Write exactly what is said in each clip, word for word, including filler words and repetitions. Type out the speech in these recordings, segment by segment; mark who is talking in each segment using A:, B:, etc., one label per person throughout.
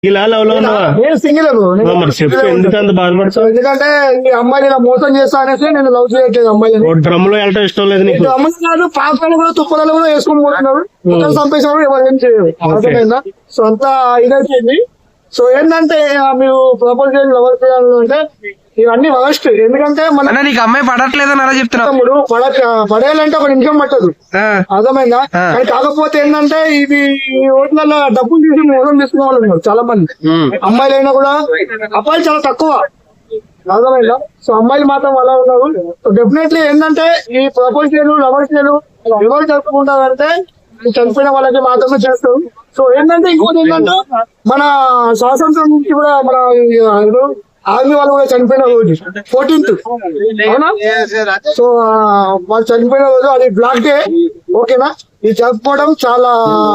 A: నేను సింగిల్
B: ఎందుకంత బాధపడతావు?
A: ఎందుకంటే ఈ అమ్మాయి ఇలా మోసం చేస్తా అనేసి నేను లవ్ చేయట్లేదు అమ్మాయిని.
B: డ్రమ్ లో వెళ్ళటం ఇష్టం లేదు నీకు?
A: అమ్మాయి కాదు, పాపలు కూడా తుప్పలలో కూడా వేసుకొని పోతున్నారు. మొత్తం చంపేసినప్పుడు ఎవరు ఏం చేయరు. అర్థమైందా? సో అంతా ఇదైపోయింది. సో ఏంటంటే మీరు ప్రపోజ్ చేయాలి లవర్ చేయాలి అంటే ఇవన్నీ వరస్ట్. ఎందుకంటే మన
C: నీకు అమ్మాయి పడట్లేదని అలా చెప్తున్నా.
A: తమ్ముడు పడ పడేయాలంటే ఒక నిమిషం పట్టదు. అర్థమైందా? కానీ కాకపోతే ఏంటంటే ఇది ఈ ఓట్లలో డబ్బులు తీసి మోసం తీసుకునే వాళ్ళు ఉన్నారు చాలా మంది. అమ్మాయిలు అయినా కూడా అబ్బాయిలు చాలా తక్కువ. అర్థమైందా? సో అమ్మాయిలు మాత్రం అలా ఉన్నారు. సో డెఫినెట్లీ ఏంటంటే ఈ ప్రపోజ్ చేయలు లవర్ చేయలు ఎవరు జరుపుకుంటారంటే చనిపోయిన వాళ్ళకి మాత్రమే చేస్తారు. సో ఏంటంటే ఇంకోటి ఏంటంటే మన స్వాతంత్రం నుంచి కూడా మన ఆర్మీ వాళ్ళు కూడా చనిపోయిన రోజు ఫోర్టీన్త్ అవునా? సో వాళ్ళు చనిపోయిన రోజు అది బ్లాక్ డే. ఓకేనా? ఇది జరుపుకోవడం చాలా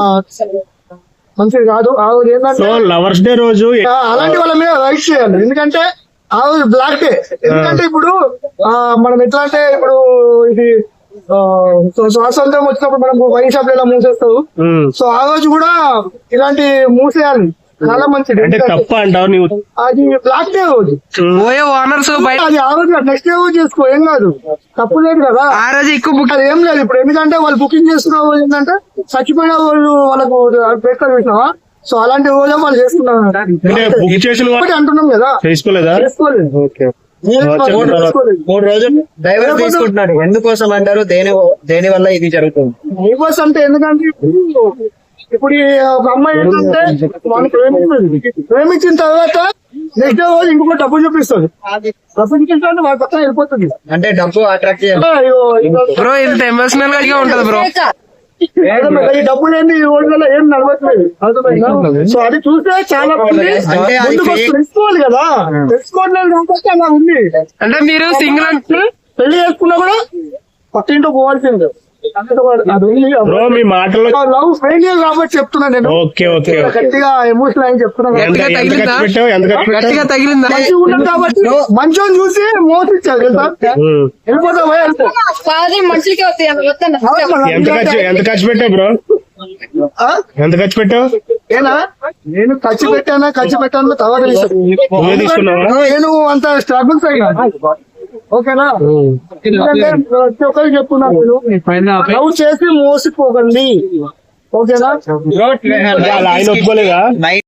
A: మంచిది కాదు. ఆ రోజు ఏంటంటే
B: లవర్స్ డే రోజు
A: అలాంటి వాళ్ళ మీద రైట్ చేయాలి. ఎందుకంటే ఆ రోజు బ్లాక్ డే. ఎందుకంటే ఇప్పుడు మనం ఎట్లా అంటే ఇప్పుడు ఇది స్వాతంత్రం వచ్చినప్పుడు మనం వైన్ షాప్ ఎలా మూసేస్తావు, సో ఆ రోజు కూడా ఇలాంటి మూసేయాలి. చాలా మంచిది.
B: తప్ప అంటావు నీవు?
A: అది బ్లాక్ డే రోజు అది ఆ రోజు నెక్స్ట్ డే రోజు చేసుకో, ఏం కాదు, తప్పు లేదు కదా.
C: ఆ రోజు ఎక్కువ
A: అది ఏం లేదు. ఇప్పుడు ఎందుకంటే వాళ్ళు బుకింగ్ చేసుకున్న రోజు ఏంటంటే చచ్చిపోయిన వాళ్ళు వాళ్ళకు పెట్టుకొని చూసినావా? సో అలాంటి రోజు వాళ్ళు చేసుకున్నారు అంటున్నాం కదా.
B: చేసుకోలేదా?
A: చేసుకోలేదు.
D: మూడు రోజులు డైవర్స్ తీసుకుంటున్నారు. ఎందుకోసం అంటారు? దేని దేని వల్ల ఇది జరుగుతుంది?
A: డైవర్స్ అంటే ఎందుకంటే ఇప్పుడు ఒక అమ్మాయి ఏంటంటే వాళ్ళు ప్రేమిస్తుంది, ప్రేమించిన తర్వాత నెక్స్ట్ డే రోజు ఇంకొక డబ్బు చూపిస్తుంది. డబ్బు చూపిస్తే వాళ్ళ పక్కన వెళ్ళిపోతుంది.
D: అంటే డబ్బు అట్రాక్ట్ చేయాలి.
C: బ్రో ఇంత ఎమోషనల్ గా ఉంటది బ్రో.
A: ఈ డబ్బులు ఏంటి ఈ రోజులలో ఏం నడవట్లేదు. అర్థమైందా? సో అది చూస్తే చాలా తెలుసుకోవాలి కదా. తెలుసుకోవట్లేదు కాబట్టి అలా ఉంది.
C: అంటే మీరు సింగిల్ అంటే
A: పెళ్లి చేసుకున్నా కూడా పక్కింటో పోవాల్సిందే.
B: మీ మాటలో
A: లవ్ ఫెయిలియర్ కాబట్టి చెప్తున్నా నేను.
B: ఓకే ఓకే
A: గట్టిగా ఎమోషనల్ అని చెప్తున్నాను.
C: గట్టిగా తగిలిందా?
A: మంచిగా ఉన్నాం కాబట్టి మంచోని చూసి మోసించారు తెలుసా? వెళ్ళిపోతావు
B: ఎంత ఖర్చు ఎంత ఖర్చు పెట్టావు బ్రో? ఎంత ఖర్చు పెట్టావు?
A: ఏనా నేను ఖర్చు పెట్టానా ఖర్చు పెట్టాను తర్వాత నేను అంత స్ట్రగుల్స్ అయినా. ఓకేనా? ఎందుకంటే ప్రతి ఒక్కరికి చెప్తున్నాను, లవ్ చేసి మోసిపోకండి. ఓకేనా?
B: ఆయన ఒప్పుకోలేదా?